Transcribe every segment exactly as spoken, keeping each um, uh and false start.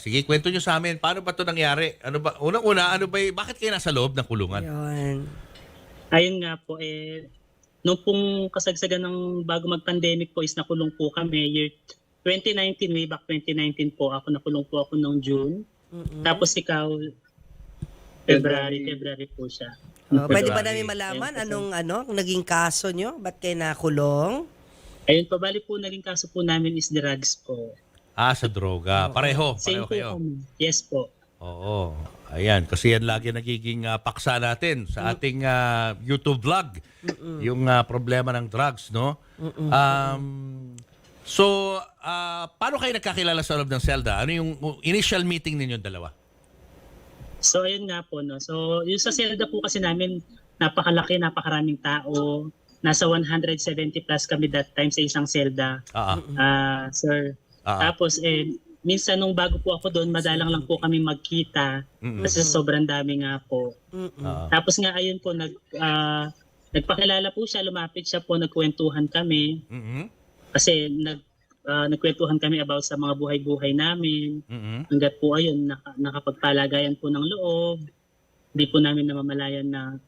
Sige, kwento nyo sa amin. Paano ba ito nangyari? Ano ba? Unang-una, ano ba, y- bakit kayo nasa loob ng kulungan? Yun. Ayun nga po, eh, nung pong kasagsagan ng bago mag-pandemic po is nakulong po kami. Year twenty nineteen, way back twenty nineteen po, ako nakulong po ako noong June. Mm-mm. Tapos ikaw, February, February po siya. Oh, pwede ba February. namin malaman Ayun po, anong ano naging kaso nyo? Ba't kayo nakulong? Ayun po, bali po naging kaso po namin is drugs po. Ah, sa droga. Pareho. Same Pareho po kayo. kami. Yes po. Oo. Ayan. Kasi yan lagi nagiging ah, paksa natin sa ating ah, YouTube vlog. Yung ah, problema ng drugs, no? Um, so, ah, paano kayo nagkakilala sa loob ng selda? Ano yung initial meeting ninyo dalawa? So ayun nga po, no. So yung sa selda po kasi namin, napakalaki, napakaraming tao. Nasa one hundred seventy plus kami that time sa isang selda. Ah, Ah, sir. ah. Tapos eh minsan nung bago po ako doon, madalang lang po kami magkita Mm-mm. kasi sobrang dami nga po. Mm-mm. Ah. Tapos nga ayun po nag ah, nagpakilala po siya, lumapit siya po, nagkwentuhan kami Mhm. kasi nag ah, nagkwentuhan kami about sa mga buhay-buhay namin. Mhm. Hanggat po ayun naka, nakapagpalagayan po ng loob. Hindi po namin namamalayan na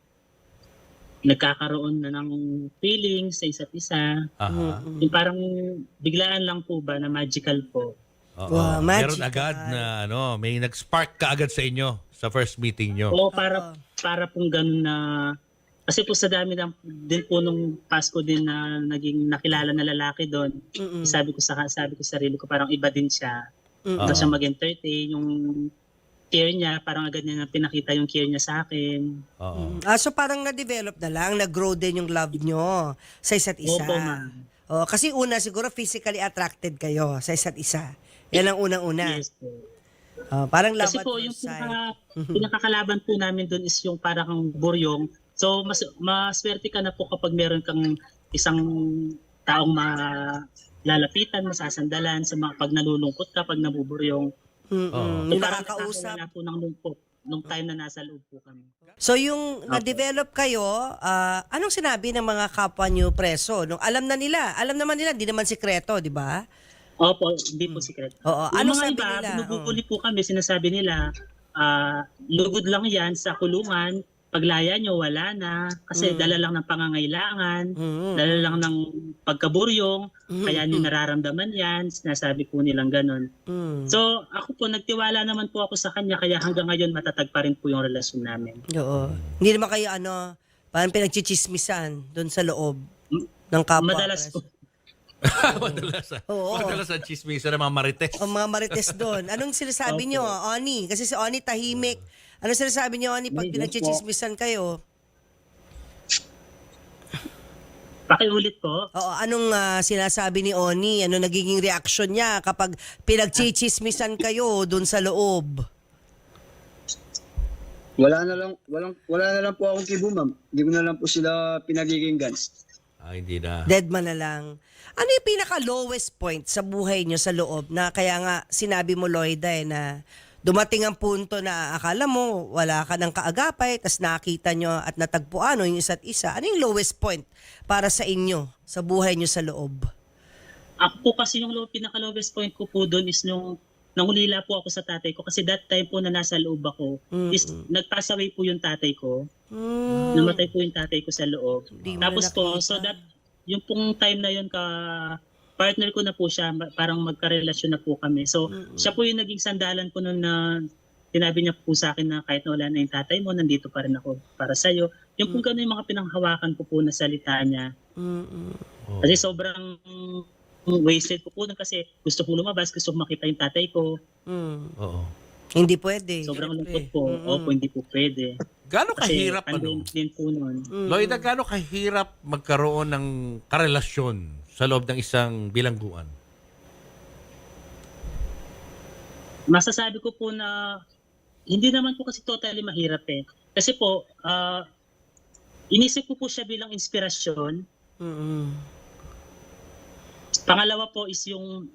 nagkakaroon na ng feelings sa isa't isa. Aha. Yung parang biglaan lang po ba na magical po. Oo. Wow, Meron magical. agad na ano, may nag-spark ka agad sa inyo sa first meeting nyo. O para para pong ganun na kasi po sa dami lang din po nung Pasko din na naging nakilala na lalaki doon. Mm-mm. Sabi ko sa sabi ko sa sarili ko parang iba din siya. Mm-mm. Iba Oo. siya mag-entertain, yung care niya, parang agad niya na pinakita yung care niya sa akin. Oo. Ah, so parang na-develop na lang, nag-grow din yung love nyo sa isa't isa. Opo, ma'am. Oh, kasi una siguro physically attracted kayo sa isa't isa. Yan ang unang-una. Yes po. Oh, parang love Kasi at po first yung sight. pinaka, pinakakalaban po namin doon is yung parang buryong. So mas maswerte ka na po kapag meron kang isang taong malalapitan, masasandalan sa mga pag nalulungkot ka, pag nabuburyong. Mm-mm. Oo. Yung Parang nakakausap. nakakawala po ng lungkot nung time na nasa loob po kami. So yung na-develop kayo, ah, anong sinabi ng mga kapwa nyo preso? Nung alam na nila, alam naman nila, di naman sikreto, di ba? Opo, hindi po secret. Oo, Yung anong mga sabi iba, nila? binubuli po kami, sinasabi nila, ah, lugod lang yan sa kulungan, paglaya nyo, wala na, kasi Mm. dala lang ng pangangailangan, Mm. dala lang ng pagkaburyong, Mm. kaya nyo nararamdaman yan, sinasabi po nilang ganon. Mm. So, ako po, nagtiwala naman po ako sa kanya, kaya hanggang ngayon matatag pa rin po yung relasyon namin. Oo. Hindi naman kayo ano, parang pinagchichismisan doon sa loob M- ng kapwa. Madalas preso. po, madalas, ah. Oo. madalas ang chismisa ng mga marites. O mga marites doon. Anong sinasabi Opo. nyo, Oni? Kasi si Oni tahimik. Anong sinasabi nyo, Oni, pag Yes po. pinagchichismisan kayo? pakiulit po. Oo, anong ah, sinasabi ni Oni? Ano nagiging reaction niya kapag pinagchichismisan kayo doon sa loob? Wala na lang, walang, wala na lang po akong kibo, ma'am. Hindi ko na lang po sila pinagiginggan. Ah, hindi na. Dead man na lang. Ano yung pinaka-lowest point sa buhay nyo sa loob na kaya nga sinabi mo, Loida, eh, na dumating ang punto na akala mo wala ka ng kaagapay, tas nakita nyo at natagpuan o yung isa't isa. Ano yung lowest point para sa inyo, sa buhay nyo sa loob? Ako po kasi yung low, pinaka-lowest point ko po doon is nung nangulila po ako sa tatay ko kasi that time po na nasa loob ako is nag-pass away po yung tatay ko. Hmm. Namatay po yung tatay ko sa loob. Di mo Tapos na po, nakita. so that, yung pong time na yun, ka, partner ko na po siya, ma- parang magkarelasyon na po kami. So, siya po yung naging sandalan ko noon na sinabi niya po sa akin na kahit na wala na yung tatay mo, nandito pa rin ako para sa'yo. Yung po gano'n yung mga pinanghawakan ko po na salita niya. Mm-mm. Oh. Kasi sobrang wasted po po nun kasi gusto po lumabas, gusto ko makita yung tatay ko. Mm. Oo. Hindi pwede. Sobrang syempre. lungkot po. Mm-mm. Opo, hindi po pwede. Gaano Kasi kahirap ano? pandemic din po nun. Mm. Loida, gaano kahirap magkaroon ng karelasyon sa loob ng isang bilangguan? Masasabi ko po na hindi naman po kasi totally mahirap eh. Kasi po, ah, inisip ko po siya bilang inspirasyon. Mm-mm. Pangalawa po is yung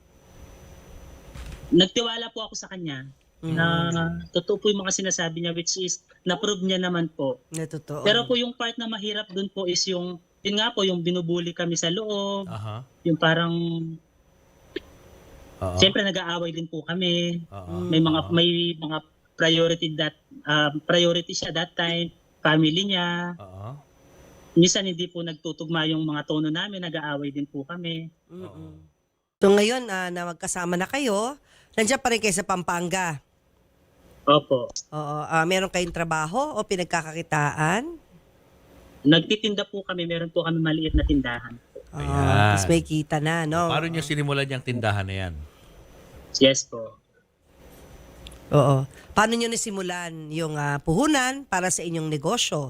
nagtiwala po ako sa kanya na totoo po yung mga sinasabi niya which is na-prove niya naman po. Na totoo. Pero po yung part na mahirap dun po is yung, yun nga po, yung binubuli kami sa loob, Aha. yung parang Oo. Siyempre nag-aaway din po kami. Oo. May mga may mga priority that uh, priority siya that time, family niya. Oo. Minsan hindi po nagtutugma yung mga tono namin, nag-aaway din po kami. Mm-mm. So ngayon ah, na magkasama na kayo, nandiyan pa rin kayo sa Pampanga. Opo. Oo, ah, meron kayong trabaho o pinagkakakitaan? Nagtitinda po kami, meron po kami maliit na tindahan. Ah, Ayan. tapos may kita na, no? Paano niyo sinimulan yung tindahan na yan? Yes po. Oo. Paano nyo nasimulan yung ah, puhunan para sa inyong negosyo?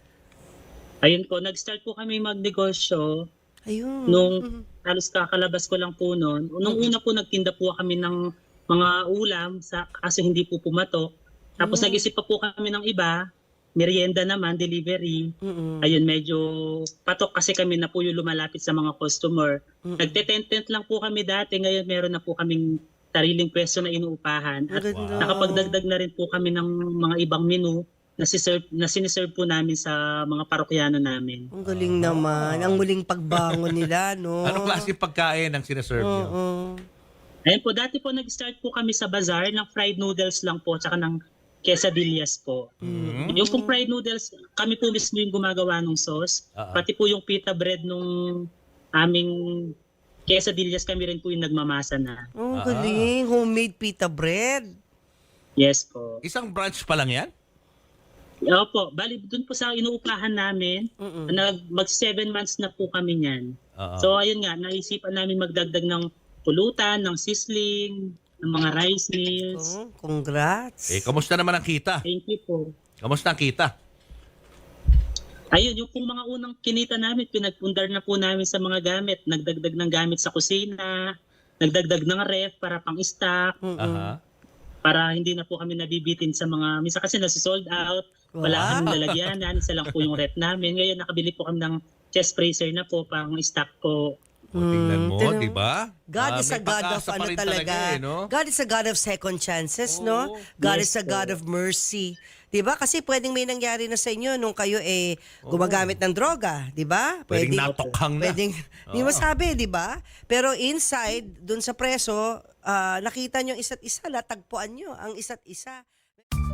Ayun po, nag-start po kami magnegosyo Ayun. nung halos kakalabas ko lang po noon. Nung una po nagtinda po kami ng mga ulam sa kaso hindi po pumatok. Tapos nag-isip pa po kami ng iba, merienda naman, delivery. Mm-mm. Ayun, medyo patok kasi kami na po yung lumalapit sa mga customer. Mm-mm. Nagte-tent-tent lang po kami dati, ngayon meron na po kaming sariling pwesto na inuupahan. At Ang ganda. nakapagdagdag na rin po kami ng mga ibang menu na, siserve, na siniserve po namin sa mga parokyano namin. Ang galing naman. Ang muling pagbangon nila, no? Anong klase pagkain ang sinaserve niyo? Oo. Ayun po, dati po nag-start po kami sa bazaar ng fried noodles lang po, tsaka ng quesadillas po. Mhm. Yung pong fried noodles, kami po mismo yung gumagawa ng sauce. Ah, ah. Pati po yung pita bread nung aming quesadillas, kami rin po yung nagmamasa na. Ang Ah. galing. Homemade pita bread. Yes po. Isang branch pa lang yan? Opo, bali dun po sa inuupahan namin, Mm-mm. nag, mag seven months na po kami niyan. Oo. So ayun nga, naisipan namin magdagdag ng pulutan, ng sizzling, ng mga rice meals. Oh, congrats. eh, kamusta naman ang kita? Thank you po. Kamusta ang kita? Ayun, yung pong mga unang kinita namin, pinagpundar na po namin sa mga gamit. Nagdagdag ng gamit sa kusina, nagdagdag ng ref para pang-stock, Mm-mm. Aha. para hindi na po kami nabibitin sa mga, minsan kasi nasi-sold out, wala Wow. kami lalagyanan, isa lang po yung ref namin. Ngayon nakabili po kami ng chest freezer na po, pang-stock po. O, tingnan mo, tingnan di ba? God Ah, is a may God of pag-asa pa ano rin talaga. eh, no? God is a God of second chances, no? Oo. God Yes is a po. God of mercy. 'Di ba? Kasi pwedeng may nangyari na sa inyo nung kayo eh gumagamit ng droga, 'di ba? Pwedeng natokhang na. Pwedeng hindi mo sabi, 'di ba? Pero inside dun sa preso, ah, nakita nyo isa't isa, latagpuan nyo ang isa't isa.